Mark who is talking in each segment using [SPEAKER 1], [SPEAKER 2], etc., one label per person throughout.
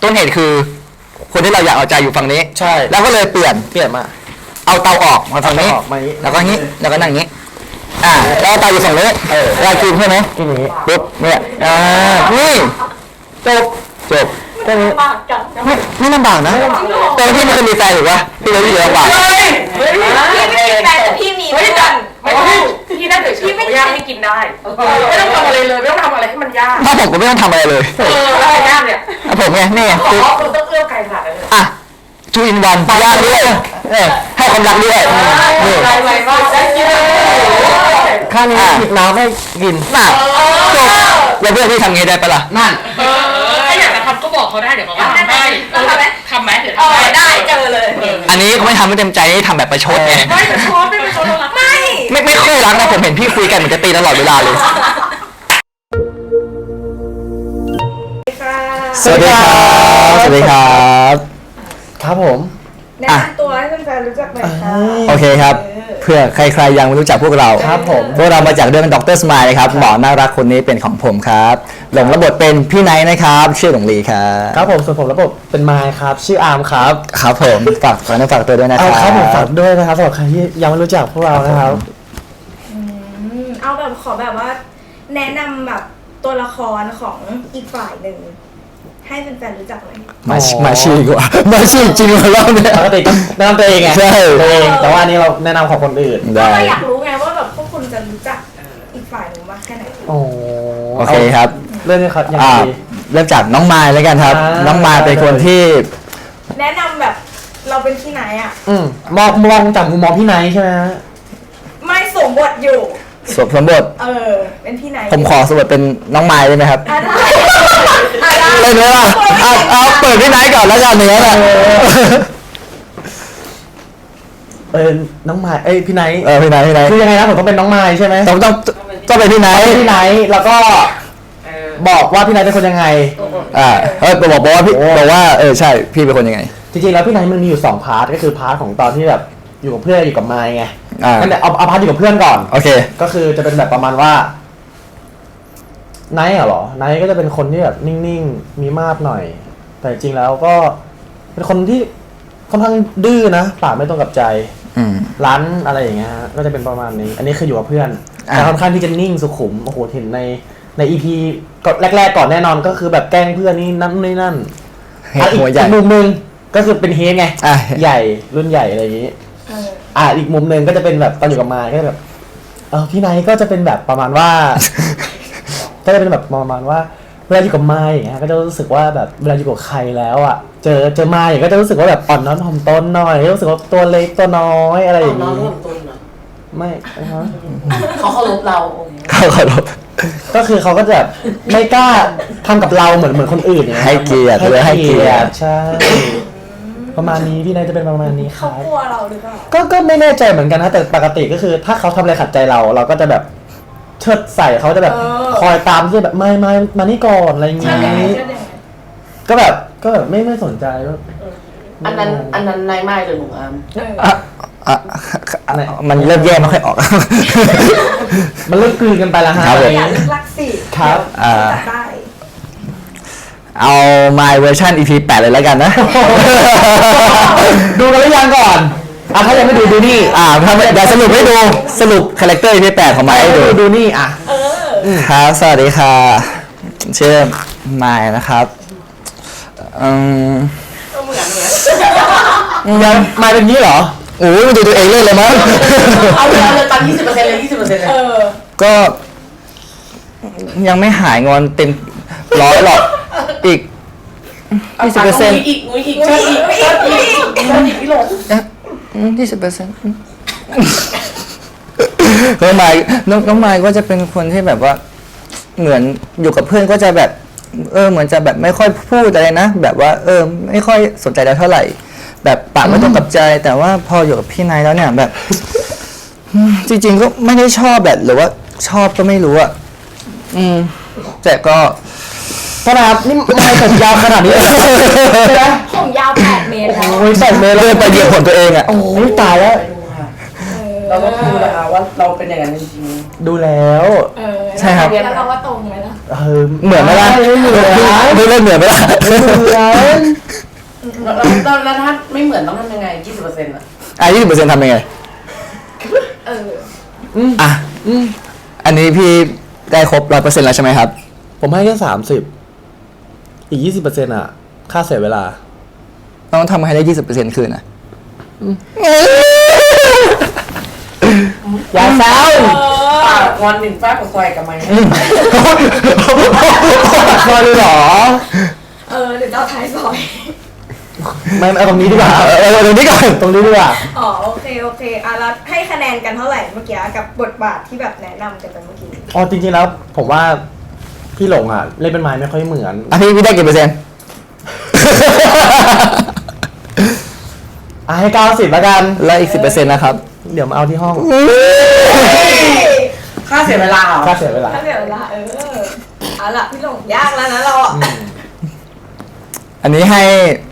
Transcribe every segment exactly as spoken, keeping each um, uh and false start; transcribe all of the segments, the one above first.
[SPEAKER 1] ต้นเหตุคือคนที่เราอยากเอาใจอยู่ฝั่งนี้
[SPEAKER 2] ใช่
[SPEAKER 1] แล้วก็เลยเปลี่ยน
[SPEAKER 2] เปลี่ยนมา
[SPEAKER 1] เอาเตาออกมาฝั่งนี้แล้วก็งี้แล้วก็นั่งงี้อ่าแล้วเตาอยู่ฝั่งนี้เออเรากินใช่ไหม
[SPEAKER 2] กินอย่างนี้
[SPEAKER 1] ปุ๊บเนี่ยอ่านี่จบจบ
[SPEAKER 3] ไม่ลำบากจัง
[SPEAKER 1] ไม่ไม่ลำบากนะตอนที่มันจะมีแฟนถูกปะพี่เลยพี่ลำบาก
[SPEAKER 3] พี่ไม่มีแฟนแต่พี่มีเพื่อน
[SPEAKER 4] ไม่ต้องพี่ได้เฉยๆไม่ยากให้กินได้ไม่ต้องทำอะไรเลยไม่ต้องทำอะไรให้มันยาก
[SPEAKER 1] ถ้าผมก็ไม่ต้องทำอะไรเลย
[SPEAKER 4] เออแล้วยากเนี่ย
[SPEAKER 1] ผมไงนี่
[SPEAKER 4] ขอคุณต้องเอื้อไก่ขนาดนั้น
[SPEAKER 1] อ่ะทูอินวันยากด้วยให้ความรักด้วย
[SPEAKER 4] นี่อะไรไว้บ้างได้กิน
[SPEAKER 2] ข้างนี้หยิบน้ำให้กิน
[SPEAKER 1] น่ะจบแล้วเพื่อนพี่ทำไงได้ปะล่ะ
[SPEAKER 4] นั่นเออถ้าอยากจะทำก็บอกเขาได้เดี๋ยวเขาทำให้ทำไหมทำไหมเดี๋ยวท
[SPEAKER 3] ำได้เจอเลย
[SPEAKER 1] อันนี้เขาไม่ทำไม่เต็มใจทำแบบประชดไง
[SPEAKER 4] ไม่ประชดไม่ประชดรัก
[SPEAKER 3] ไม่
[SPEAKER 1] ไม่ไม่ค่อยรักนะผมเห็นพี่คุยกันเหมือนจะตีตลอดเวลาเลยสวัสดีครับสวัสดีครับ
[SPEAKER 2] ครับผม
[SPEAKER 3] แนะนำตัวให้แฟนๆรู้จักหน่อยค่ะ
[SPEAKER 1] โอเคครับเพื่อใครๆยังไม่รู้จักพวกเรา
[SPEAKER 2] ครับผม
[SPEAKER 1] พวกเรามาจากเรื่องด็อกเตอร์สมายนะครับหมอน่ารักคนนี้เป็นของผมครับหลงระบบเป็นพี่ไนท์นะครับชื่อหลงลีครับ
[SPEAKER 2] ครับผมส่วนผมระบบเป็นมายครับชื่ออาร์มครับ
[SPEAKER 1] ครับผมฝากฝากฝากตัวด้วยนะครับ
[SPEAKER 2] ครับผมฝากด้วยนะครับสำหรับใครที่ยังไม่รู้จักพวกเรานะครับ
[SPEAKER 3] เอาแบบขอแบบว่าแนะนำแบบตัวละครของอีกฝ่ายหนึ่งให้แฟนๆรู้จักเลย
[SPEAKER 1] มามาชื่อดีกว่ามาชื่อจริงของเราเนี่ย
[SPEAKER 2] ปกติแนะนำตัวเองไง
[SPEAKER 1] ใช่
[SPEAKER 2] ตัวเองแต่ว่าอันนี้เราแนะนำของคนอื่น
[SPEAKER 3] ได้ก็อยากรู้ไงว่าแบบพวกคุณจะรู้จักอีกฝ่ายหนึ่งมากแค่ไหน
[SPEAKER 2] โอ้
[SPEAKER 1] โอเคครับ
[SPEAKER 2] เริ่มเลยครับยังไง
[SPEAKER 1] เริ่มจากน้องมายแล้วกันครับน้องมายเป็นคนที่
[SPEAKER 3] แนะนำแบบเราเป็นที่ไหนอ่ะ
[SPEAKER 2] อืมมองมองจากมุมมองพี่ไนท์ใช่ไหม
[SPEAKER 3] ไม่สมบทอยู่
[SPEAKER 1] สวมสมบท
[SPEAKER 3] เออเป็นพี่ไหน
[SPEAKER 1] ผมขอสมบทเป็นน้องไม้ได้ไหมครับ
[SPEAKER 3] ได้
[SPEAKER 1] เลยว่าเอาเอาเปิดพี่ไนท์ก่อนแล้วกันเนื้อแหละ
[SPEAKER 2] เออน้องไม้เอ้ยพี่ไนท์
[SPEAKER 1] เออพี่ไนท์พี่ไนท์
[SPEAKER 2] คือยังไงนะผมต้องเป็นน้องไม้ใช่ไหม
[SPEAKER 1] ต้องต้องต้องเป็นพี่ไนท์
[SPEAKER 2] พี่ไนท์แล้วก็บอกว่าพี่ไนท์เป็นคนยังไง
[SPEAKER 1] อ่าเออบอกบอกว่าพี่บอกว่าเออใช่พี่เป็นคนยังไง
[SPEAKER 2] จริงๆแล้วพี่ไนท์มันมีอยู่สองพาร์ทก็คือพาร์ทของตอนที่แบบอยู่กับเพื่อนอยู่กับไม้ไงงั้นเดี๋ยวเอาเอาพาร์ทอยู่กับเพื่อนก่อน
[SPEAKER 1] โอเค
[SPEAKER 2] ก็คือจะเป็นแบบประมาณว่าไนท์เหรอไนท์ก็จะเป็นคนที่แบบนิ่งๆมีมาดหน่อยแต่จริงแล้วก็เป็นคนที่ค่อนข้างดื้อนะปากไม่ตรงกับใจร้านอะไรอย่างเงี้ยก็จะเป็นประมาณนี้อันนี้คืออยู่กับเพื่อนแต่ค่อนข้างที่จะนิ่งสุขุมโอ้โหเห็นในในอีพีก็แรกๆก่อนแน่นอนก็คือแบบแกล้งเพื่อนนี่นั่นนี่นั่นอีกมุมนึงก็คือเป็นเฮดไงใหญ่รุ่นใหญ่อะไรอย่างงี้อ่าอีกมุมนึงก็จะเป็นแบบตอนอยู่กับมายก็แบบเออพี่ไนท์ก็จะเป็นแบบประมาณว่าก็จะเป็นแบบประมาณว่าเวลาอยู่กับมายอย่างเงี้ยก็จะรู้สึกว่าแบบเวลาอยู่กับใครแล้วอ่ะเจอเจอมายอย่างก็จะรู้สึกว่าแบบอ่อนน้อมถ่อมตนหน่อยรู้สึกว่าตัวเล็กตัวน้อยอะไรอย่างนี้ไม่ฮะ
[SPEAKER 4] เขาเคารพเรา
[SPEAKER 1] เขาเคารพ
[SPEAKER 2] ก็คือเขาก็จะไม่กล้าทำกับเราเหมือนเหมือนคนอื่นอย่างเงี้ย
[SPEAKER 1] ให้เกียรติเลยให้เกียรติ
[SPEAKER 2] ใช่ประมาณนี้พี่นายจะเป็นประมาณนี้
[SPEAKER 3] เขากลัวเราหรือเปล่า
[SPEAKER 2] ก็ก็ไม่แน่ใจเหมือนกันนะแต่ปกติก็คือถ้าเขาทำอะไรขัดใจเราเราก็จะแบบเชิดใส่เขาจะแบบคอยตามที่แบบไม่ไม่มานี่ก่อนอะไรอย่างงี้ก็แบบก็แบบไม่ไม่สนใจว่า
[SPEAKER 4] อันนั้นอันนั้นนายไม้หรือหนูอาม
[SPEAKER 1] มันเริ่มแย่ไม่ค่อยออก
[SPEAKER 2] มันเริ่มกลืนกันไปแล้วฮะ
[SPEAKER 3] อยากรักสิ
[SPEAKER 2] ครับ
[SPEAKER 3] ได้
[SPEAKER 1] เอา my version อี พี แปดเลยแล้วกันนะ
[SPEAKER 2] ดูกันหรือยังก่อนอ่ะถ้ายังไม่ดูดูนี่
[SPEAKER 1] อ่าถ้าเดี๋ยวสรุปให้ดูสรุปคาแรคเตอร์ อี พี แปดของไมค์ให้ดู
[SPEAKER 2] ดูนี่อ่ะ
[SPEAKER 1] ครับสวัสดีค่ะชื่อไมค์นะครับอืม
[SPEAKER 4] เหมือนเหมือน
[SPEAKER 2] ยังไมค์เป็นนี้เหรอ
[SPEAKER 1] โอ้ยดูตัวเองเล่นเลยมั้ง
[SPEAKER 4] เอาเลยเอาเลยตัดยี่สิบเปอร์เซ็นต์เลยยี่สิบเปอร์เซ็นต์เลย
[SPEAKER 1] ก็ยังไม่หายงอนเต็มร้อยหรอกอีกยี่สิบเปอร์เซ็นต์
[SPEAKER 4] อีกอีกอีกอีกอีกอีกอีกพี่หลง
[SPEAKER 1] ยี่สิบเปอร์เซ็นต์น้องไมค์น้องน้องไมค์ก็จะเป็นคนที่แบบว่าเหมือนอยู่กับเพื่อนก็จะแบบเออเหมือนจะแบบไม่ค่อยพูดอะไรนะแบบว่าเออไม่ค่อยสนใจเราเท่าไหร่แบบปากไม่ตรงกับใจแต่ว่าพออยู่กับพี่นายแล้วเนี่ยแบบจริงๆก็ไม่ได้ชอบแบบหรือว่าชอบก็ไม่รู้อ่ะอืมแต่ก็
[SPEAKER 2] ขนาดนี่ไม่ผมยาวขนาดนี้เลย
[SPEAKER 3] นะผมยาวแปดเมตรแล้ว
[SPEAKER 2] โอ้ยแปดเมตร
[SPEAKER 1] เลยไปเหยียบผลตัวเองอ่ะ
[SPEAKER 2] โอ้ยตายแล้ว
[SPEAKER 4] เราก็ดูนะคะว่าเราเป็นอย่างนั้นจริง
[SPEAKER 2] ๆดูแล้ว
[SPEAKER 3] ใช่ครับแล้วเราว่าตรงไหมล่ะ
[SPEAKER 2] เออ
[SPEAKER 1] เหมือนไหมล่ะ
[SPEAKER 2] ไม่เหมือน
[SPEAKER 1] ดูเล่นเหมือนไหมล่ะ
[SPEAKER 2] ไม่เหมือน
[SPEAKER 4] แล้วแล้วแล้วถ้าไม่เหมือนต้องทำยังไงยี่สิบเปอร์เซ็นต์อ่ะ
[SPEAKER 1] อ่ะยี่สิบเปอร์เซ็นต์ทำยังไง
[SPEAKER 3] เออ
[SPEAKER 1] อ่ะ
[SPEAKER 2] อืม
[SPEAKER 1] อันนี้พี่ได้ครบร้อยเปอร์เซ็นต์แล้วใช่ไหมครับ
[SPEAKER 2] ผมให้แค่สามสิบอีกยี่สิบเปอร์เซ็นต์อ่ะ ค่าเสียเวลา
[SPEAKER 1] ต้องทำให้ได้ยี่สิบเปอร์เซ็นต์คืนนะ
[SPEAKER 2] อย่าเศร้า
[SPEAKER 4] ปากงอนหนึ่งฟ้ากับซอยกับไม้
[SPEAKER 2] พอเลยเหรอ
[SPEAKER 3] เออเดี๋ยวเราท้ายซอย
[SPEAKER 2] ไม่ไม่เอาตรงนี้ดีกว่า
[SPEAKER 1] เออเออตรงนี้ก่อน
[SPEAKER 2] ตรงนี้ดีกว่า
[SPEAKER 3] อ๋อโอเคโอเคอ่ะแล้วให้คะแนนกันเท่าไหร่เมื่อกี้กับบทบาทที่แบบแนะนำกันไปเมื่อกี้
[SPEAKER 2] อ๋อจริงๆแล้วผมว่าพี่หลงอ่ะ เล่นเป็นไม้ไม่ค่อยเหมือน
[SPEAKER 1] อ่ะพี่พี่ได้กี่เปอร์เซ็นต์
[SPEAKER 2] อ่ะให้เก้าสิบแล้วกัน
[SPEAKER 1] แล้วอีกสิบเปอร์เซ็นต์นะครับ
[SPEAKER 2] เดี๋ยวมาเอาที่ห้อง
[SPEAKER 4] ค่าเสียเวลาเหรอ
[SPEAKER 2] ค่าเสียเวลา
[SPEAKER 3] ถ้าเดี๋ยวเวลาเออเอาล่ะพี่หลงยากแล้วนะเราอ่ะ
[SPEAKER 1] อันนี้ให้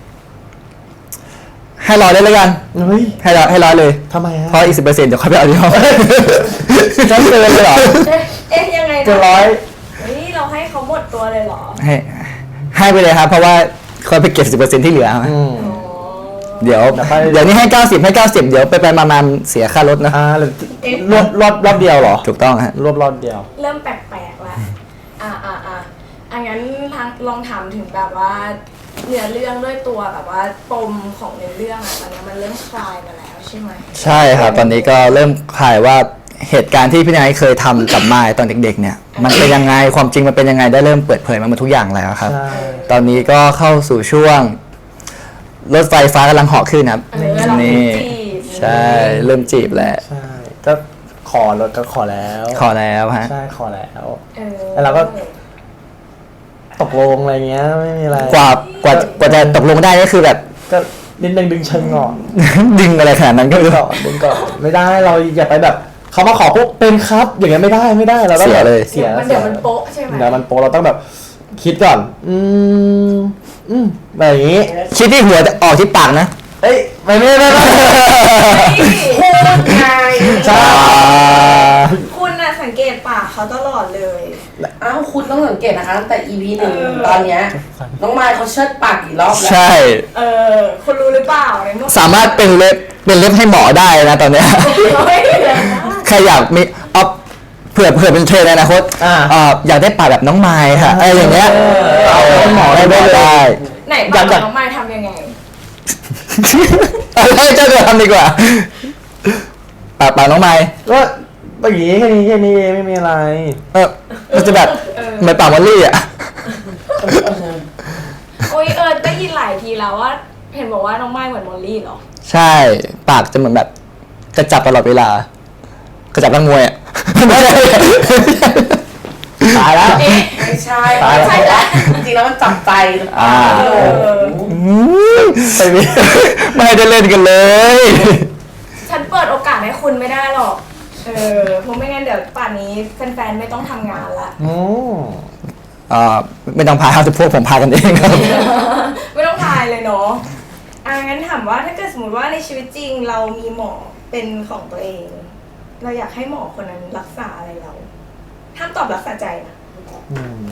[SPEAKER 1] ให้ร้อยได้แล้วกัน
[SPEAKER 2] เฮ้ย
[SPEAKER 1] ให้ร้อยให้ร้อยเลย
[SPEAKER 2] ทำไมฮะ
[SPEAKER 1] เพราะอีกสิบเปอร์เซ็นต์เดี๋ยวค่อยไปเอาที่ห้องจะเกินเลยเหรอ
[SPEAKER 3] เอ๊ะเอ๊ะยังไงนะ
[SPEAKER 2] เกินร้อย
[SPEAKER 3] เฮ้ยเราให้เขาหมดตัวเลยเหรอ
[SPEAKER 1] ให้ให้ไปเลยครับ เพราะว่าค่อยไปเก็บสิบเปอร์เซ็นต์ที่เหลือ
[SPEAKER 2] อืม
[SPEAKER 3] อ๋อ
[SPEAKER 1] เดี๋ยว
[SPEAKER 2] เดี๋ยวไป
[SPEAKER 1] เดี๋ยวนี้ให้เก้าสิบให้เก้าสิบเดี๋ยวไปไปมามาเสียค่ารถนะ
[SPEAKER 2] อ่าแล้วรอบรอบรอบเดียวเหรอ
[SPEAKER 1] ถูกต้องฮะ
[SPEAKER 2] รอบรอบเดียว
[SPEAKER 3] เริ่มแปลกๆแล้วอ่าอ่าอ่าอันงั้นทางลองถามถึงแบบว่าเนื้อเรื่องด้วยตัวแบบว่าปมของเนื้อเรื่องอะตอนนี้มันเริ่มคลายมาแล้วใช่ไหม
[SPEAKER 1] ใช่ครับ ตอนนี้ก็เริ่มคลายว่าเหตุการณ์ที่พี่นายเคยทำกับมายตอนเด็กๆ เนี่ย มันเป็นยังไงความจริงมันเป็นยังไงได้เริ่มเปิดเผยมาหมดทุกอย่างแล้วครับ
[SPEAKER 2] ใช่
[SPEAKER 1] ตอนนี้ก็เข้าสู่ช่วงรถไฟฟ้ากำลังเหาะขึ้นครับ
[SPEAKER 3] เออเรา
[SPEAKER 1] นี่
[SPEAKER 3] จีบ
[SPEAKER 1] ใช่เริ่มจีบแล้ว
[SPEAKER 2] ใช่ ก็ขอรถก็ขอแล้ว
[SPEAKER 1] ขอแล้วฮะ
[SPEAKER 2] ใช่ขอแล้ว
[SPEAKER 3] เออ
[SPEAKER 2] แล้วเราก็ ตกลงอะไรเงี้ยไม่มีอะไร
[SPEAKER 1] กว่ากว่ากว่าจะตกลงได้ก็คือแบบ
[SPEAKER 2] ก็นิดนึงดึงเชิงก่อน
[SPEAKER 1] ดึงอะไรขนาดนั้นก็
[SPEAKER 2] ดึ
[SPEAKER 1] ไม่
[SPEAKER 2] ง
[SPEAKER 1] รู้
[SPEAKER 2] ก่อนดึงก่อนไม่ได้เราอย่าไปแบบเขามาขอปุ๊บเป็นครับ อย่างเงี้ยไม่ได้ไม่ได้เราต้อง
[SPEAKER 1] เสียเลย
[SPEAKER 2] เสีย
[SPEAKER 3] มันเดี๋ยวมันโป๊ะใช่ไหม
[SPEAKER 2] เดี๋ยวมันโป๊ะเราต้องแบบ คิดก่อน อืมอืมแบบอย่างงี้
[SPEAKER 1] คิดที่หัวแต่ออกที่ปากนะ
[SPEAKER 2] เอ้ยไม่ไม่ไม่ไม่
[SPEAKER 3] พูดไง
[SPEAKER 2] ใช่
[SPEAKER 3] คุณน่ะสังเกตปากเขาตลอดเลย
[SPEAKER 4] อ้าวคุณต้องสังเกตนะคะตั้งแต่ อี พี หนึ่ง
[SPEAKER 3] เออ
[SPEAKER 4] ตอนเนี้ยน้องมายเขาเชิดปากกี่รอบแล้ว
[SPEAKER 1] ใช่
[SPEAKER 3] เออคุณรู้หรือเปล่าในเมื่อ
[SPEAKER 1] สามารถเป็นเล็บเป็นเล็บให้หมอได้นะตอนเนี้ย
[SPEAKER 3] เฮ้ย
[SPEAKER 1] ใครอยากมีเอาเผื่อเผื่อเป็นเทรนในอนาคต
[SPEAKER 2] อ่า
[SPEAKER 1] เอ่ออยากได้ปากแบบน้องไม้ค่ะอะไรอย่างเงี้ย
[SPEAKER 2] เออเอาให้หมอได้
[SPEAKER 1] ได้
[SPEAKER 2] เลย
[SPEAKER 1] ได้
[SPEAKER 3] ไหนปากของน้องไม้ทำยังไง
[SPEAKER 1] เอาให้เจ้าตัวทำดีกว่าปากปากน้องไม้
[SPEAKER 2] ก็แบบนี้แค่นี้แค่นี้เองไม่มีอะไร
[SPEAKER 1] เออมันจะแบบ
[SPEAKER 3] เออ
[SPEAKER 1] เหมือนปากมอลลี่อ่ะ
[SPEAKER 3] โอ้ยเออได้ยินหลายทีแล้วว่า เห็นบอกว่าน้องไม้เหมือนมอลลี่เหรอ
[SPEAKER 1] ใช่ ปากจะเหมือนแบบกระจับตลอดเวลากระจับนักมวยอ่ะไม่ใช่
[SPEAKER 2] ตายแล้ว
[SPEAKER 3] เอ๊ะ
[SPEAKER 4] ไม่ใช่
[SPEAKER 2] ตายแล้ว
[SPEAKER 4] ไม่ใช่แหละจริงๆแล้วมันจับใจ
[SPEAKER 1] อ่า
[SPEAKER 3] เออ
[SPEAKER 2] ไปมี
[SPEAKER 1] ไม่ได้เล่นกันเลย
[SPEAKER 3] ฉันเปิดโอกาสให้คุณไม่ได้หรอก เออเพราะไม่งั้นเดี๋ยวป่านนี้แฟนๆไม่ต้องทำงานละ
[SPEAKER 2] โอ้
[SPEAKER 1] อ่าไม่ต้องพาครับพวกผมพากันเองครับ
[SPEAKER 3] ไม่ต้องทายเลยเนาะอ่ะงั้นถามว่าถ้าเกิดสมมติว่าในชีวิตจริงเรามีหมอเป็นของตัวเอง เราอยากให้หมอคนนั้นรักษาอะไรเราห้ามตอบรักษาใจนะ
[SPEAKER 2] อืม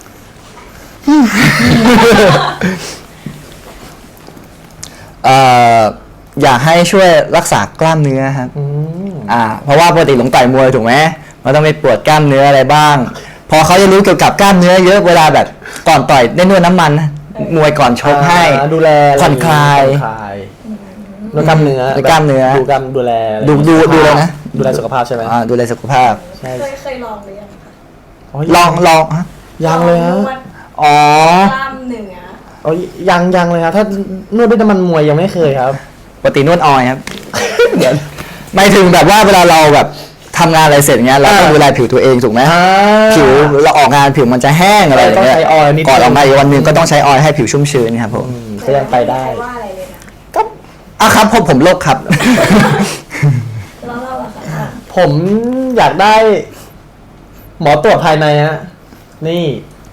[SPEAKER 1] เอ่ออยากให้ช่วยรักษากล้ามเนื้อครับ
[SPEAKER 2] อืม
[SPEAKER 1] อ่า เพราะว่าปกติหลงต่อยมวยถูกไหมมันต้องไปปวดกล้ามเนื้ออะไรบ้าง พอเขาจะรู้เกี่ยวกับกล้ามเนื้อเยอะเวลาแบบก่อนต่อยได้นวดน้ำมันนะมวยก่อนชกให้
[SPEAKER 2] อ่าดูแล
[SPEAKER 1] ผ่อนคลาย
[SPEAKER 2] ผ่อนคลายดูกล้ามเนื้อ
[SPEAKER 1] ดูกล้ามเนื้อ
[SPEAKER 2] ดูกล้ามดูแลอะไร
[SPEAKER 1] ดูดูดูเลยนะ
[SPEAKER 2] ดูแลสุขภาพใช่ไหม
[SPEAKER 1] อ่าดูแลสุขภาพ
[SPEAKER 2] ใช่
[SPEAKER 3] เคยเคยลองหรือยังคะ
[SPEAKER 1] ลองลองฮะ
[SPEAKER 2] ยังเลยฮะ
[SPEAKER 3] นวด
[SPEAKER 1] อ๋อ
[SPEAKER 3] กล้ามเนื้อ
[SPEAKER 2] อ๋อยังยังเลยครับถ้านวดด้วยน้ำมันมวยยังไม่เคยครับ
[SPEAKER 1] ปกตินวดออยครับ เดี๋ยวหมายถึงแบบว่าเวลาเราแบบทำงานอะไรเสร็จเงี้ยเราต้อง
[SPEAKER 2] อ่า
[SPEAKER 1] ดูแลผิวตัวเองถูกไหม ผิวเราออกงานผิวมันจะแห้งอะไรอย่างเงี้ย
[SPEAKER 2] ต้องใช้ออยล์นิดนึง
[SPEAKER 1] ก่อนออกมาอีกวันหนึงก็ต้องใช้ออยล์ให้ผิวชุ่มชื้นครับผม
[SPEAKER 2] อืมก็ยังไปได้
[SPEAKER 3] ม่ว่าอะไรเลยนะ
[SPEAKER 1] อ่ะครับผมผมโรคครับ
[SPEAKER 3] แล้วเราล่ะคะ
[SPEAKER 2] ผมอยากได้ หมอตรวจภายในฮะนี่ พ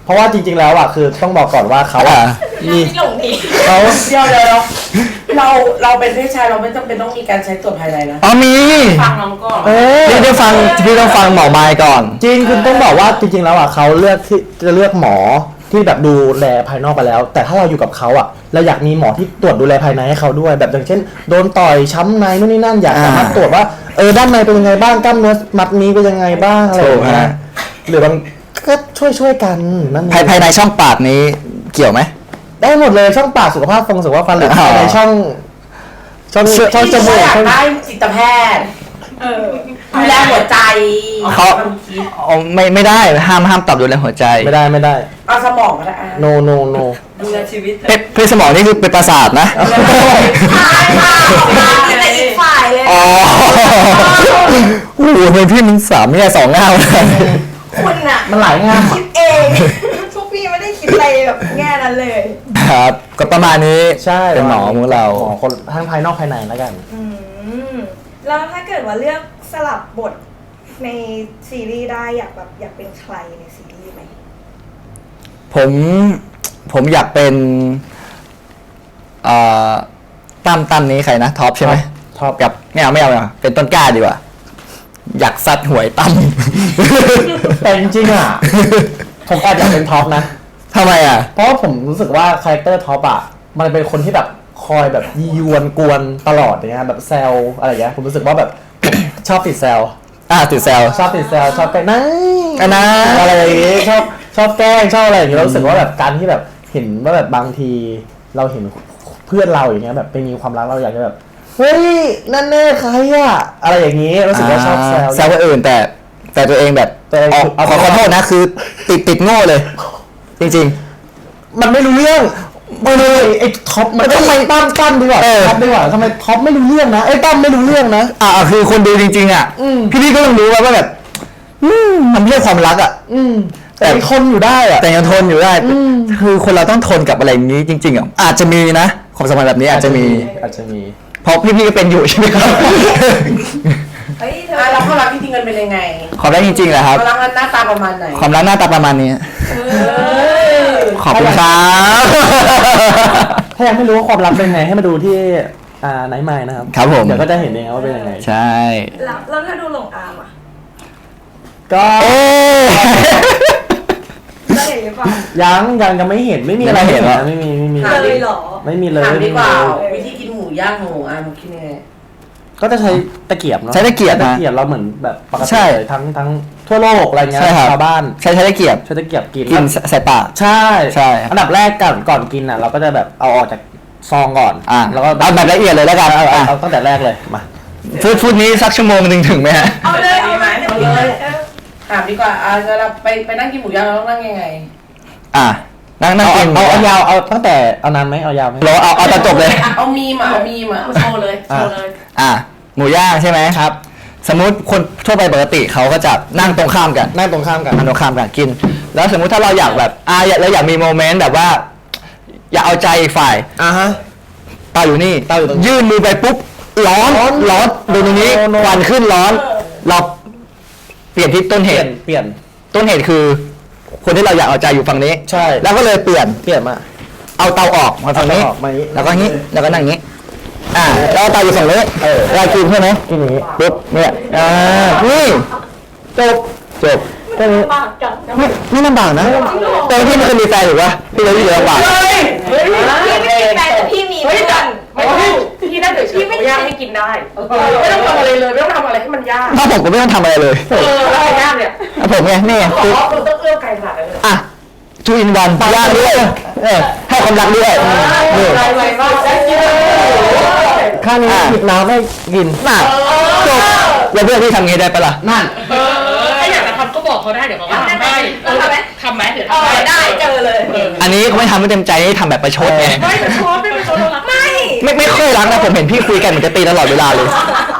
[SPEAKER 2] ราะว่าจริง ๆ แล้วอ่ะคือต้องบอกก่อนว่าเขาอ่ะ
[SPEAKER 3] มีหลงดี
[SPEAKER 2] เขา
[SPEAKER 5] เดี๋ยวเดี๋ยวเราเราเป็นเพศชายเราไม่จำเป็นต้องมีการใช้ตรวจภายในนะ
[SPEAKER 1] อ๋อมี
[SPEAKER 4] ฟังน้องก่อน
[SPEAKER 2] เออ
[SPEAKER 1] พี่ต้องฟังพี่ต้องฟังหมอไมค์ก่อน
[SPEAKER 2] จริงคุณต้องบอกว่าจริง ๆ แล้วอ่ะเขาเลือกที่จะเลือกหมอที่แบบดูแลภายนอกไปแล้ว แต่ถ้าเราอยู่กับเขาอ่ะเราอยากมีหมอที่ตรวจดูแลภายในให้เขาด้วย แบบอย่างเช่นโดนต่อยช้ำในนู่นนี่นั่นอยากสามารถตรวจว่าเออด้านในเป็นยังไงบ้างกล้ามเนื้อมัดนี้เป็นยังไงบ้างอะไรอย่างเงี้ยหรือบางก็ช่วยช่วยๆกันนั่นเอง
[SPEAKER 1] ภายภายในช่องปากนี้เกี่ยวไหม
[SPEAKER 2] ได้หมดเลยช่องปากสุขภาพฟงสุขภาพฟันหรือ
[SPEAKER 1] อ๋อ
[SPEAKER 2] ภายในช่องช่องช่องจมูก
[SPEAKER 5] อยาก
[SPEAKER 2] ช่อง
[SPEAKER 5] ได้จิตแพทย์
[SPEAKER 3] เออ
[SPEAKER 5] ดูแลหัวใจ
[SPEAKER 1] เขา
[SPEAKER 5] ความคิด
[SPEAKER 1] อ๋อไม่ไม่ได้ห้ามห้ามตอบดูแลหัวใจ
[SPEAKER 2] ไม่ได้ไม่ได้
[SPEAKER 5] เอาสมองก็ได้อ่ะ
[SPEAKER 2] no no no
[SPEAKER 5] ดูแลชีวิต
[SPEAKER 1] เพเพศสมองนี่คือเป็นประสาทนะ
[SPEAKER 3] ใช่ค่ะมีแต่อีกฝ่ายเลย
[SPEAKER 1] อ๋อโอ้โหเป็นพี่มันสามเนี่ยสองเงาเลย
[SPEAKER 3] คุณอะ
[SPEAKER 2] มันหลายงาน
[SPEAKER 3] คิดเองพวกพี่ไม่ได้คิดอะไรแบบแง่นั้นเลย
[SPEAKER 1] ครับก็ประมาณนี้
[SPEAKER 2] ใช่
[SPEAKER 1] เป็นหมอของเรา
[SPEAKER 2] หมอคนทั้งภายนอกภายในแล้วกัน
[SPEAKER 3] อืมแล้วถ้าเกิดว่าเลือกสลับบทในซีรีส์ได้อยากแบบอยากเป็นใครในซีรีส์ไหม
[SPEAKER 1] ผมผมอยากเป็นเอ่อตั้มตั้มนี้ใครนะท็อปใช่ไหม
[SPEAKER 2] ท็อป
[SPEAKER 1] กับไม่เอาไม่เอาไม่เอาเป็นต้นกล้าดีกว่า อยากซัดหวยตั้ม
[SPEAKER 2] แต่จริงๆอ่ะ ผมแอบอยากเป็นท็อปนะ
[SPEAKER 1] ทำไมอ่ะ
[SPEAKER 2] เพราะว่าผมรู้สึกว่าคาแรคเตอร์ท็อปอ่ะมันเป็นคนที่แบบคอยแบบยียวนกวนตลอดอย่างเงี้ยแบบแซวอะไรอย่างเงี้ยผมรู้สึกว่าแบบ ชอบติดแซว
[SPEAKER 1] อ่าติดแซว
[SPEAKER 2] ชอบติดแซวชอบแกล้งนั่
[SPEAKER 1] อันนะ
[SPEAKER 2] อะไรอย่างงี้ชอบชอบแกล้งชอบอะไรอย่างงี้เรารู้สึกว่าแบบการที่แบบเห็นว่าแบบบางทีเราเห็นเพื่อนเราอย่างเงี้ยแบบไปมีความรักเราอยากจะแบบเฮ้ยนั่นแน่ใครอะอะไรอย่างงี้รู้สึกว่าชอบแซว
[SPEAKER 1] แซวคนอื่นแต่แต่ตัวเองแบบ
[SPEAKER 2] ตัวเอง
[SPEAKER 1] อ๋อ
[SPEAKER 2] เอา
[SPEAKER 1] ขอขอโทษนะคือติดติดโง่เลย จริง
[SPEAKER 2] มันไม่รู้เรื่องไม่เลยไอ้ท็อปมันทำไมตั้มตั้มดีกว่า
[SPEAKER 1] เออ
[SPEAKER 2] ท็อปดีกว่าทำไมท็อปไม่รู้เรื่องนะไอ้ตั้มไม่รู้เรื่องนะ
[SPEAKER 1] ๆอ่าคือคนดูจริงๆอ่ะ
[SPEAKER 2] อืม
[SPEAKER 1] พี่พี่ก็ต้องรู้ว่าว่าแบบอืมมันไม่ใช่ความรักอ่ะ
[SPEAKER 2] อืมแต่ไอ้คนอยู่ได้อะ
[SPEAKER 1] แต่ยังทนอยู่ได้
[SPEAKER 2] อืม
[SPEAKER 1] คือคนเราต้องทนกับอะไรอย่างนี้จริงๆอ่ะอาจจะมีนะความสัมพันธ์แบบนี้อาจจะมี
[SPEAKER 2] อาจจะมี
[SPEAKER 1] เพราะพี่ๆก็เป็นอยู่ใช่ไหมครับ
[SPEAKER 3] เฮ้ยเธอ
[SPEAKER 5] อ่ะแล้วความรักจริงๆกันเป็นยังไง
[SPEAKER 1] ความรักจริงๆแหละครับ
[SPEAKER 5] ความรักหน้าตาประมาณไหน
[SPEAKER 1] ความรักหน้าตาประมาณนี้
[SPEAKER 5] เออ
[SPEAKER 1] ขอบคุณครับ
[SPEAKER 2] ถ้ายังไม่รู้ว่าความรักเป็นไงให้มาดูที่อ่าไนท์ไมล์นะครับ
[SPEAKER 1] ครับผม
[SPEAKER 2] เดี๋ยวก็จะเห็นเองว่าเป็นยังไง
[SPEAKER 1] ใช่
[SPEAKER 3] แล้วแล้วถ้าดูหลงอามอ่ะ
[SPEAKER 2] ก็
[SPEAKER 1] โอ้
[SPEAKER 3] จะเห็นหรือเปล่า
[SPEAKER 2] ยังยังยังไม่เห็นไม่มีอะไร
[SPEAKER 1] ยังไม่เห็นเหรอ
[SPEAKER 2] นะไม่มีไม่มี
[SPEAKER 3] เลยเหรอ
[SPEAKER 2] ไม่มีเลย
[SPEAKER 5] ถามดีกว่า
[SPEAKER 2] ไม่มีเลย
[SPEAKER 5] วิธีกินหมูย่างของหมูอ่ะมันคิดยังไง
[SPEAKER 2] ก็จะใช้ตะเกียบเนาะ
[SPEAKER 1] ใช้ตะเกียบนะ
[SPEAKER 2] ตะเกียบเราเหมือนแบบปกติ
[SPEAKER 1] ใช่
[SPEAKER 2] เลยทั้งทั้งทั่วโลกอะไรเงี้ย
[SPEAKER 1] ใช่ครับ
[SPEAKER 2] ชาวบ้าน
[SPEAKER 1] ใช้ใช้ตะเกียบ
[SPEAKER 2] ใช้ตะเกียบกิน
[SPEAKER 1] กินใส่ปาก
[SPEAKER 2] ใช่
[SPEAKER 1] ใช่
[SPEAKER 2] อันดับแรกก่อนก่อนกินอ่ะเราก็จะแบบเอาออกจากซองก่อน
[SPEAKER 1] อ่ะ
[SPEAKER 2] แล้วก็
[SPEAKER 1] เอาแบบละเอียดเลยแล้วกัน
[SPEAKER 2] เอาเอา
[SPEAKER 1] อ่ะ
[SPEAKER 2] เอาตั้งแต่แรกเลยมา
[SPEAKER 1] ฟูดฟูดนี้สักชั่วโมงหนึ่งถึงไหมฮะ
[SPEAKER 3] เอาเลยเอาเลย
[SPEAKER 5] เอาเลย ถามดีกว่าอ่ะเวลาไปไปนั่งกินหมูย่างเราต้องนั่งยังไง
[SPEAKER 1] อ่ะนั่งนั่ง
[SPEAKER 2] เอา
[SPEAKER 1] กิน
[SPEAKER 2] เอาเอายาวเอาตั้งแต่เอานานไหมเอายาวไหม
[SPEAKER 1] เราเอาเอาตอนจบเลย
[SPEAKER 5] เอามีมอ่ะเอามีมอ่ะ
[SPEAKER 4] โชว์เลยโชว์เลย
[SPEAKER 1] อ่ะหมูย่างใช่ไหมครับ สมมุติคนทั่วไปปกติเขาก็จะนั่งตรงข้ามกัน
[SPEAKER 2] นั่งตรงข้ามกัน
[SPEAKER 1] นั่งตรงข้ามกันกิน แล้วสมมุติถ้าเราอยากแบบอ่ะอยากเราอยากมีโมเมนต์แบบว่า อยากเอาใจอีกฝ่าย
[SPEAKER 2] อ่าฮะ
[SPEAKER 1] เตาอยู่นี่
[SPEAKER 2] เตาอยู่ตรงนี้
[SPEAKER 1] ยื่นมือไปปุ๊บร้อน
[SPEAKER 2] ร้อน
[SPEAKER 1] ร้อนดูตรงนี้
[SPEAKER 2] โอ้โน
[SPEAKER 1] ควันขึ้นร้อน เราเปลี่ยนที่ต้น
[SPEAKER 2] เป
[SPEAKER 1] เห
[SPEAKER 2] ลี่ยน
[SPEAKER 1] ตุ
[SPEAKER 2] เปลี่ยน
[SPEAKER 1] ต้นเหตุคือ คนที่เราอยากเอาใจอยู่ฝั่งนี้
[SPEAKER 2] ใช่
[SPEAKER 1] แล้วก็เลยเปลี่ยน
[SPEAKER 2] เปลี่ยนมา
[SPEAKER 1] เอาเตาออกมาฝั่งนี้
[SPEAKER 2] เอาเตาออกมาอย่างนี้
[SPEAKER 1] แล้วก็งี้แล้วก็นั่งงี้ อ่าแล้วเอาเตาอยู่ฝั่งนี้เออเรากินใช่ไหมกินอย่างนี้ปุ๊บเนี่ยอ่านี่จบจบแค่นี้
[SPEAKER 3] ปากจัง
[SPEAKER 1] ไม่ไม่ลำบากนะแต่พี่มันเคยมีแฟนหรือวะพี่เลยที่เหลือลำบาก
[SPEAKER 5] เฮ้ยเฮ้ย
[SPEAKER 3] พี่ไม่มีแฟนแต่พี่มี
[SPEAKER 4] เฮ้ย
[SPEAKER 3] เพื่อน
[SPEAKER 4] ไม่ต้องพี่ได้เดี๋ยวเฉยเขาย่างให้กินได้ ไม่ต้องทำอะไรเลยไม่ต้องทำอะไรให้มันยาก
[SPEAKER 1] ถ้าผมก็ไม่ต้องทำอะไรเลย
[SPEAKER 4] เออแล้วใครย่างเนี่ย
[SPEAKER 1] อ่ะผมไงนี่ไง
[SPEAKER 4] ขอ
[SPEAKER 1] คือ
[SPEAKER 4] เราต้องเอื้อมไกลขนาดนั้นเลย
[SPEAKER 1] อ่ะทูอินวันย่างด้วยเออให้ความรักด้วยนี่
[SPEAKER 4] ไวไวมากได้กินเลย
[SPEAKER 2] ข้างนี้หยิบน้ำให้กิน
[SPEAKER 1] น่ะจบแล้วเพื่อนพี่ทำงี้ได้ปะล่ะนั่น
[SPEAKER 4] เออถ้าอยากจะทำก็บอกเขาได้เดี๋ยวเขาก็ทำให้ทำไหมทำไหมเดี๋ยว
[SPEAKER 3] เอ
[SPEAKER 4] ทำ
[SPEAKER 3] อ
[SPEAKER 4] ให้
[SPEAKER 3] ได้เจอเลย
[SPEAKER 1] อันนี้เขาไม่ทำไม่เต็มใจนี่ทำแบบประชดไง
[SPEAKER 4] ไม่เป็นชอบไม่เป็นชอบเรารัก
[SPEAKER 3] ไม่
[SPEAKER 1] ไม่ไม่ค่อยรักนะผมเห็นพี่คุยกันเหมือนจะตีตลอดเวลาเลย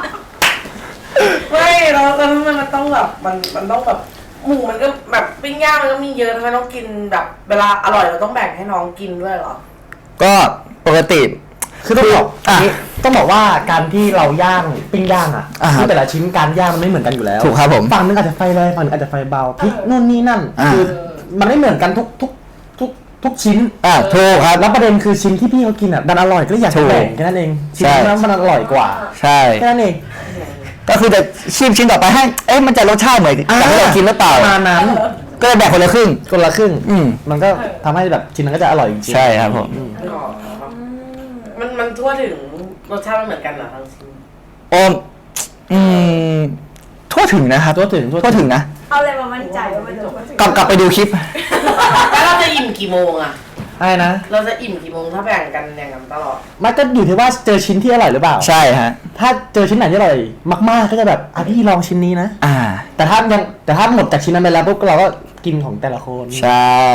[SPEAKER 5] ไม่แล้วแล้วทำไมมันต้องแบบมันมันต้องแบบหมูมันก็แบบปิ้งย่างมันก็มีเยอะทำไมต้องกินแบบเวลาอร่อยเราต้องแบ่งให้น้องกินด้วยเหรอ
[SPEAKER 1] ก็ปกติ
[SPEAKER 2] คือต้องบอก
[SPEAKER 1] อ่ะ
[SPEAKER 2] นี้ต้องบอกว่าการที่เราย่างปิ้งย่างอ่ะ
[SPEAKER 1] อ่าฮะ
[SPEAKER 2] คือแต่ละชิ้นการย่างมันไม่เหมือนกันอยู่แล้ว
[SPEAKER 1] ถูกครับผม
[SPEAKER 2] ฝั่งนึงอาจจะไฟแรงฝั่งนึงอาจจะไฟเบาพริกนู่นนี่นั่น
[SPEAKER 1] อ่า
[SPEAKER 2] คือมันไม่เหมือนกันทุกทุกทุกทุกชิ้น
[SPEAKER 1] อ่าถูกครับ
[SPEAKER 2] แล้วประเด็นคือชิ้นที่พี่เขากินอ่ะดันอร่อยก็เลยอยาก
[SPEAKER 1] ถู
[SPEAKER 2] จะ
[SPEAKER 1] ก
[SPEAKER 2] แบ่งแค่นั้นเองชิ้น
[SPEAKER 1] ใช่
[SPEAKER 2] นั้นมันอร่อยกว่า
[SPEAKER 1] ใช่
[SPEAKER 2] แค่นั้นเอง
[SPEAKER 1] ก็คือจะชิมชิ้นต่อไปให้เอ๊ะมันจะรสชาติเหมือนกับที่เรากินหรือเปล่า
[SPEAKER 2] ประมาณนั้น
[SPEAKER 1] ก็เลยแบ่งคนละครึ่ง
[SPEAKER 2] คนละครึ่ง
[SPEAKER 1] อืม
[SPEAKER 2] มันก็ทำให้แบบชิ้นนั้นก็จะอร่อยจริงๆ
[SPEAKER 1] ใช่ครับผม
[SPEAKER 5] อ๋อมันมันทั่วถึงรสชาติมันเหมือนกันเหรอทั้งชิ้น
[SPEAKER 1] โอมอืมทั่วถึงนะครับ
[SPEAKER 2] ทั่วถึง
[SPEAKER 1] ทั่วถึงนะ
[SPEAKER 3] เอาอะไรมามั่นใจว่ามันจะ
[SPEAKER 1] กลับกลับไปดูคลิป
[SPEAKER 5] แล้วเราจะอิ่มกี่โมงอะ
[SPEAKER 2] ใช่นะ
[SPEAKER 5] เราจะอิ่มกี่โมงถ้าแบ่งกันอย่างนั้นตลอด
[SPEAKER 2] มันก็อยู่ที่ว่าเจอชิ้นที่อร่อยหรือเปล่า
[SPEAKER 1] ใช่ฮะ
[SPEAKER 2] ถ้าเจอชิ้นไหนที่อร่อยมากๆก็จะแบบอ่ะพี่ลองชิ้นนี้นะ
[SPEAKER 1] อ่า
[SPEAKER 2] แต่ถ้ายังแต่ถ้าหมดจากชิ้นนั้นไปแล้วปุ๊บเราก็กินของแต่ละคน
[SPEAKER 1] ใช่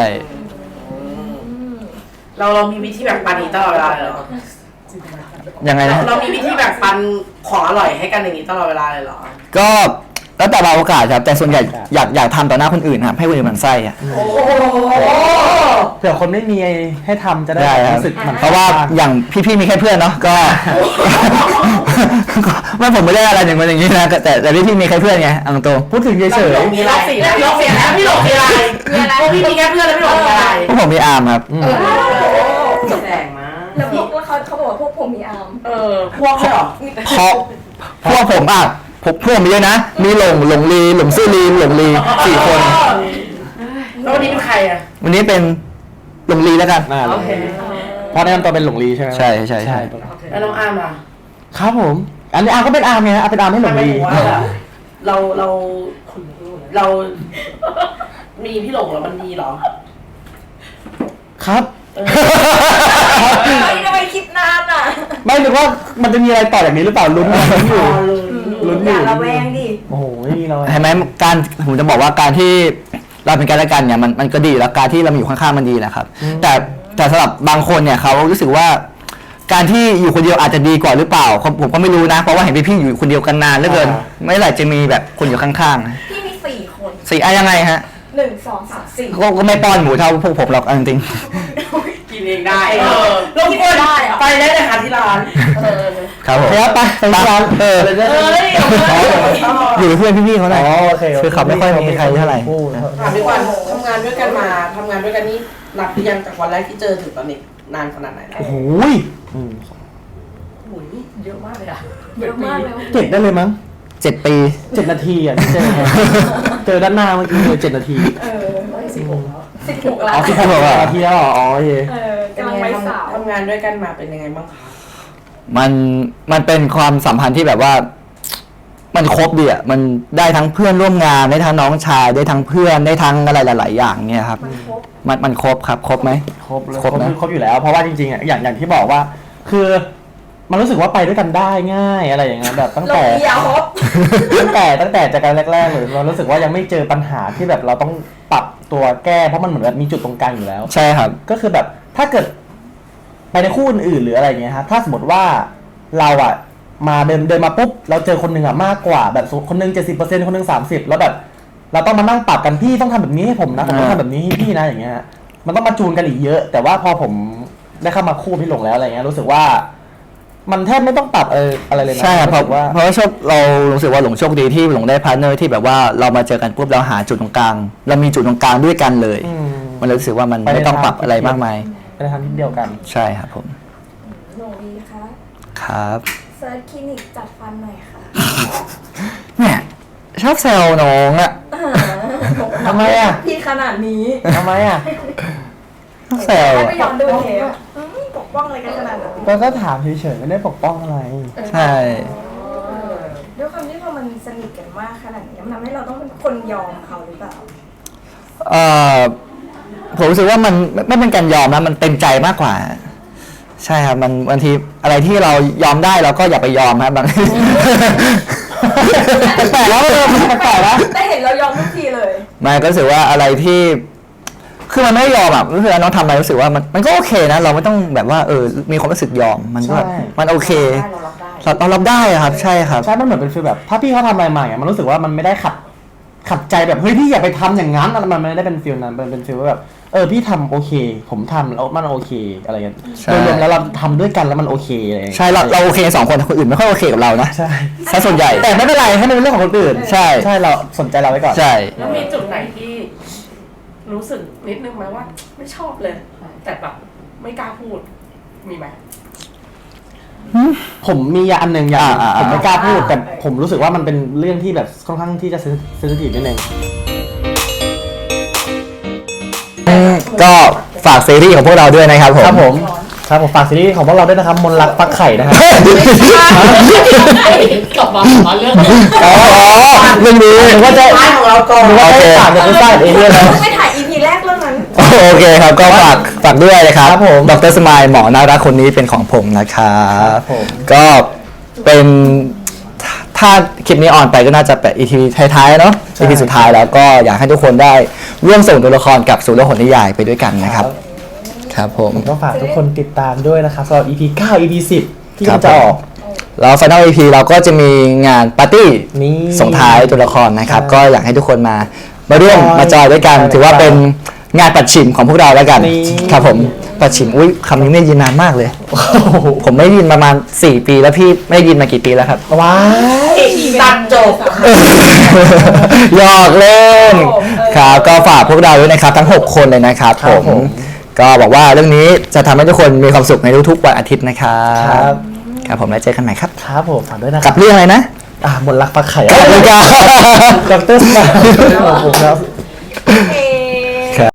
[SPEAKER 5] เราเรามีวิธีแบ่งปันนี้ตลอดเวลาเลยเหรอ
[SPEAKER 1] ยังไงนะ
[SPEAKER 5] เรามีวิธีแบ่งปันของอร่อยให้กันอย่างนี้ตลอดเวลาเลยเหรอ
[SPEAKER 1] ก็แล้วแต่บางโอกาสครับแต่ส่วนใหญ่อยากอยากทำต่อหน้าคนอื่นครับให้คนอื่นหมันไส้อะ
[SPEAKER 5] โอ้โห
[SPEAKER 2] เผื่อคนไม่มีให้ทำจะได้
[SPEAKER 1] ได้ครับ
[SPEAKER 2] รู้สึกหมัน
[SPEAKER 1] เพราะว่าอย่างพี่ๆมีแค่เพื่อนเนาะก็ ไม่ผมไม่ได้อะไรอย่างมันอย่างนี้นะแต่แต่พี่ๆมีแค่เพื่อนไงเอาตรง
[SPEAKER 2] พูดถึงเฉย
[SPEAKER 5] พี่หลงมีอะไรพี่หลงมีอะไรพี่หลงมีอะไรมีอะไรพี่มีแค่เพื่อนแล้วพี่หลงมีอะไร
[SPEAKER 1] ๆพวกผมมีอาร์มครับ
[SPEAKER 2] ๆอืม
[SPEAKER 5] แสงมาก
[SPEAKER 3] แล้วพวกแล้วเขาเขาบอกว่าพวกผมมีอาร์ม
[SPEAKER 5] เออพวกเลยเหรอ
[SPEAKER 1] เพราะพวกผมอ่ะพวกพวกมีเยอะนะ มีหลงหลงลีหลงซื่อลีหลงลีสี่คน
[SPEAKER 5] แล้ววันนี้เป็นใครอ่ะ
[SPEAKER 1] วันนี้เป็นหลงลีแล้วกัน
[SPEAKER 2] น่า
[SPEAKER 5] โอ
[SPEAKER 2] เลย
[SPEAKER 5] เค
[SPEAKER 2] เพราะแนะนำตัวเป็นหลงลีใช่ไหม
[SPEAKER 1] ใช่ใช่ใช่
[SPEAKER 5] แล้วน้องอาร์มอ่ะ
[SPEAKER 2] ครับผม อันนี้อาร์มก็เป็นอาร์มไงอาร์มเป็นอาร์มให้หลง
[SPEAKER 5] ไม่
[SPEAKER 2] ลี
[SPEAKER 5] รู้ว่าแบบเราเราเรา มีพี่หลงแล้วมันดีเหรอ
[SPEAKER 2] ครับ
[SPEAKER 5] เออ
[SPEAKER 3] เฮ้ยทำไมคิดนานอ่ะ
[SPEAKER 2] ไม่รู้ว่ามันจะมีอะไรต่อจากนี้หรือเปล่าลุ้นอยู่ ลุ้นอ
[SPEAKER 3] อยู่ ย่าระแวงดิ
[SPEAKER 2] โอ้โหไม่มีเรา
[SPEAKER 1] เห็นไหมการผมจะบอกว่าการที่เราเป็นกันและกันเนี่ยมันมันก็ดีแล้วการที่เรามาอยู่ข้างๆมันดีแหละครับ แต่แต่สำหรับบางคนเนี่ยเขารู้สึกว่าการที่อยู่คนเดียวอาจจะดีกว่าหรือเปล่าผมผมก็ไม่รู้นะเพราะว่าเห็นพี่ๆอยู่คนเดียวกันนานเหลือเกินไม่เมื่อไหร่จะมีแบบคนอยู่ข้างๆนะ
[SPEAKER 3] พี่มีสี่คน
[SPEAKER 1] สี่อะยังไงฮะ
[SPEAKER 3] หนึ่งสองสามสี่
[SPEAKER 1] ก็ก็ไม่ป้อนหมูเท่าพวกผมหรอกเอาจริง
[SPEAKER 5] กินเองได้เออลงคนไปได้เลยค่ะที่ร้านเออ
[SPEAKER 1] ๆครับผม
[SPEAKER 2] เดี๋ยวไปไปที่ร้าน
[SPEAKER 1] เออ
[SPEAKER 5] เอ้ย
[SPEAKER 1] อ๋ออยู่กับเพื่อนพี่ๆเขาหน่อย
[SPEAKER 2] อ๋อโอเคโอเค
[SPEAKER 1] คือเขาไม่ค่อยมีใครเท่าไหร่
[SPEAKER 2] พูด
[SPEAKER 5] ถามพี่วันทำงานด้วยกันมาทำงานด้วยกันนี่นับหรือยังจากวันแรกที่เจอถึงตอนนี้นานขนาดไหนแล้ว
[SPEAKER 2] โอ้โหยอืม
[SPEAKER 5] โอ้ยเยอะมากเลยอ่ะ
[SPEAKER 3] เยอะมากเลย
[SPEAKER 2] เจ็ดได้เลยมั้ง
[SPEAKER 1] เจ็ดปี
[SPEAKER 2] เจ็ดนาทีอ่ะที่เจอกันเจอด้านหน้าเมื่อกี้เลยเจ็ดนาที
[SPEAKER 3] เออสิบหกแล้วสิบหกแล้
[SPEAKER 2] อ๋อ
[SPEAKER 3] ว
[SPEAKER 2] ที่เขาบอกว่านาทีแล้วเหรออ๋อโอเค
[SPEAKER 3] เออ
[SPEAKER 5] เป็น
[SPEAKER 3] กำลัง
[SPEAKER 5] ไง
[SPEAKER 3] ไปสาว
[SPEAKER 5] ทำทำงานด้วยกันมาเป็นยังไงบ้างคะ
[SPEAKER 1] มันมันเป็นความสัมพันธ์ที่แบบว่า มันครบดีอ่ะมันได้ทั้งเพื่อนร่วมงานได้ทั้งน้องชายได้ทั้งเพื่อนได้ทั้งอะไรหลาย ๆ อย่างเนี่ยครับ
[SPEAKER 3] มันครบ
[SPEAKER 1] มันมันครบครับครบไหม
[SPEAKER 2] ครบเลย
[SPEAKER 1] ครบนะ
[SPEAKER 2] ครบอยู่แล้ว เพราะว่าจริงๆอ่ะอย่างอย่างที่บอกว่า คือมันรู้สึกว่าไปด้วยกันได้ง่ายอะไรอย่างเงี้ยแบบตั้ง
[SPEAKER 3] ล
[SPEAKER 2] แต่
[SPEAKER 3] งเดียวครบ
[SPEAKER 2] ตั้งแต่ตั้งแต่จากการแรกๆเลยเรารู้สึกว่ายังไม่เจอปัญหาที่แบบเราต้องปรับตัวแก้เพราะมันเหมือนแบบมีจุดตรงกลางอยู่แล้ว
[SPEAKER 1] ใช่ครับ
[SPEAKER 2] ก็คือแบบถ้าเกิดไปในคู่อื่นๆหรืออะไรเงี้ยฮะถ้าสมมติว่าเราอ่ะมาเดินเดินมาปุ๊บเราเจอคนหนึ่งอ่ะมากกว่าแบบคนหนึงเจ็ดสิบเปอร์เซ็นต์คนหนึงสามสิบแล้วแบบ เราต้องมานั่งปรับกันพี่ต้องทำแบบนี้ให้ผมนะผมต้องทำแบบนี้ให้พี่นะอย่างเงี้ยฮะมันต้องมาจูนกันอีกเยอะ แต่ว่าพอผมได้เข้ามาคู่พี่หลงแล้วอะไรเงี้ยรู้สึกว่า มันแทบไม่ต้องปรับเอออะไรเลยนะ
[SPEAKER 1] ใช่ครับเพราะ
[SPEAKER 2] สึกว่า
[SPEAKER 1] เพราะว่าโชคเรารู้สึกว่าหลงโชคดีที่หลงได้พาร์ทเนอร์ที่แบบว่าเรามาเจอกันปุ๊บเราหาจุดตรงกลาง เรามีจุดตรงกลางด้วยกันเลย
[SPEAKER 2] อืม
[SPEAKER 1] มันเลยรู้สึกว่ามัน
[SPEAKER 2] ไปใน
[SPEAKER 1] ไม่ต้อง
[SPEAKER 2] ทาง
[SPEAKER 1] ปรับอะไรมากมาย
[SPEAKER 2] ไปในทางที่เดียวกัน
[SPEAKER 1] ใช่ครับผม
[SPEAKER 3] หนูดีคะ
[SPEAKER 1] ครับ
[SPEAKER 3] เซิร์ชคลินิกจัดฟันหน่อยค่ะ
[SPEAKER 1] เนี่ยชอบแซวน้องอะ
[SPEAKER 2] ทำไมอ่ะ
[SPEAKER 3] พี่ขนาดนี้
[SPEAKER 2] ทำไมอ่ะ
[SPEAKER 1] ชอบแซว
[SPEAKER 3] ให้
[SPEAKER 1] อะ
[SPEAKER 3] ไปย้อนดูเทปอืมปกป้องอะไรกันขนาดนั้น
[SPEAKER 2] ก็ก็ถามเฉยๆไม่ได้ปกป้องอะไร
[SPEAKER 1] ใช่
[SPEAKER 3] ด้วยความที่พอมันสนิทกันมากขนาดนี้มันทำให้เราต้องเป็นคนยอมเขาหรือเปล่า
[SPEAKER 1] เอ่อผมรู้สึกว่ามันไม่ไม่เป็นการยอมนะมันเต็มใจมากกว่า ใช่ครับมันบางทีอะไรที่เรายอมได้เราก็อย่าไปยอมครับบางทีแปลกๆแล้วเออมันแปลกๆแล้ว
[SPEAKER 3] แต่เห็นเรายอมทุกทีเลย
[SPEAKER 1] มันก็รู้สึกว่าอะไรที่คือมันไม่ยอมอ่ะรู้สึกว่าน้องทำอะไรรู้สึกว่ามันมันก็โอเคนะ เราไม่ต้องแบบว่าเออมีความรู้สึกยอมมันก็
[SPEAKER 2] ใช่
[SPEAKER 1] มันโอเค
[SPEAKER 5] ได้เรารับได้
[SPEAKER 1] เราเรารับได้อะครับ ใช่ครับ
[SPEAKER 2] ใช่ มันเหมือนเป็นฟีลแบบ ถ้าพี่เขาทำอะไรมาอย่างเงี้ยมันรู้สึกว่ามันไม่ได้ขัด ขัดใจแบบ เฮ้ยพี่อย่าไปทำอย่างนั้นอะไรมันไม่ได้เป็นฟีลนั้นมันเป็นฟีลว่าแบบ เออพี่ทำโอเค ผมทำแล้วมันโอเค อะไรเงี้ย
[SPEAKER 1] ใช่
[SPEAKER 2] โดยรวมแล้วเราทำด้วยกันแล้วมันโอเคอะไรเงี้ย
[SPEAKER 1] ใช่เราเราโอเคสองคนแต่คนอื่นไม่ค่อยโอเคกับเรานะ
[SPEAKER 2] ใช่
[SPEAKER 1] ซะส่วนใหญ่
[SPEAKER 2] แต่ไม่เป็นไรให้มันเป็นเรื่องของคนอื่น
[SPEAKER 1] ใช่
[SPEAKER 2] ใช่เราสนใจเราไว้ก่อน
[SPEAKER 1] ใช่
[SPEAKER 5] แล้วมีจุดไหนที่ รู้
[SPEAKER 4] รู้สึกนิดนึงไหมว่า ไม่ชอบเลย แต่แบบไม่กล้าพูดมีไหม
[SPEAKER 2] ผมมีอย่างอันหนึ่งอย่าง
[SPEAKER 1] อ่าอ่า
[SPEAKER 2] ผมไม่กล้าพูด แต่ผมรู้สึกว่ามันเป็นเรื่องที่แบบค่อนข้างที่จะเซนซิทีฟนิดนึง
[SPEAKER 1] ก็ฝากซีรีส์ของพวกเราด้วยนะครับผม
[SPEAKER 2] ครับผมครับผมฝากซีรีส์ของพวกเราด้วยนะครับมนต์รักฟักไข่นะครับ
[SPEAKER 4] กลับมามาเรื่อง
[SPEAKER 1] อ๋อเรื่องนี้
[SPEAKER 2] หรือว่าจะ
[SPEAKER 5] ท้ายของเราก่อน
[SPEAKER 2] หรือว่าจะฝากเป็นผู้สร้างเองด้วยนะ
[SPEAKER 3] ต้องไปถ่าย อี พี แรกเรื่องนั้น
[SPEAKER 1] โอเคครับก็ฝากฝากด้วยนะครับ
[SPEAKER 2] ครับผม
[SPEAKER 1] ดรสมายหมอน่ารักคนนี้เป็นของผมนะครับ
[SPEAKER 2] ผม
[SPEAKER 1] ก็เป็นถ้าคลิปนี้ออนไปก็น่าจะเป็น อี พี ท้ายๆเนาะ อี พี สุดท้ายแล้วก็อยากให้ทุกคนได้ร่วมส่งตัวละครกับสู่โลกของนิยายไปด้วยกันนะครับ ครับผม
[SPEAKER 2] ผมก็ฝากทุกคนติดตามด้วยนะครับสำหรับ อี พี เก้า อี พี สิบ ที่
[SPEAKER 1] ครับ
[SPEAKER 2] จะออก
[SPEAKER 1] แล้ว Final อี พี เราก็จะมีงานปาร์ตี้
[SPEAKER 2] นี่
[SPEAKER 1] ส่งท้ายตัวละครนะครับ
[SPEAKER 2] ใช่
[SPEAKER 1] ก็อยากให้ทุกคนมามาร่วม
[SPEAKER 2] จอย
[SPEAKER 1] มาจอยด้วยกัน
[SPEAKER 2] ใช่
[SPEAKER 1] ถือว่าเป็นงานปัดฉิมของพวกเราแล้วกัน
[SPEAKER 2] นี่
[SPEAKER 1] ครับผมปัดฉิมอุ้ยคำนี้ไม่ได้ยินนานมากเลย
[SPEAKER 2] โอ้โห
[SPEAKER 1] ผมไม่ได้ยินประมาณสี่ปีแล้วพี่ไม่ได้ยินมากี่ปีแล้วครับ
[SPEAKER 2] ว้าย
[SPEAKER 5] ตัดจบ
[SPEAKER 1] หยอกเล่นครับก็ฝากพวกเราด้วยนะครับ ทั้งหกคนเลยนะครับ
[SPEAKER 2] ครั
[SPEAKER 1] ผ
[SPEAKER 2] บ
[SPEAKER 1] ม
[SPEAKER 2] ผม
[SPEAKER 1] ก็บอกว่าเรื่องนี้จะทำให้ทุกคนมีความสุขในทุกๆวันอาทิตย์นะครั
[SPEAKER 2] ครับ บ
[SPEAKER 1] ครับผมแล้วเจอกันใหม่ครับ
[SPEAKER 2] ครับผมฝากด้วยนะค
[SPEAKER 1] กั
[SPEAKER 2] รั
[SPEAKER 1] บบ เรื่องอะไรนะ
[SPEAKER 2] อ่ามนต์รักฟักไข่
[SPEAKER 1] ขอบคุณครับ
[SPEAKER 2] ดรสมายของผมครับ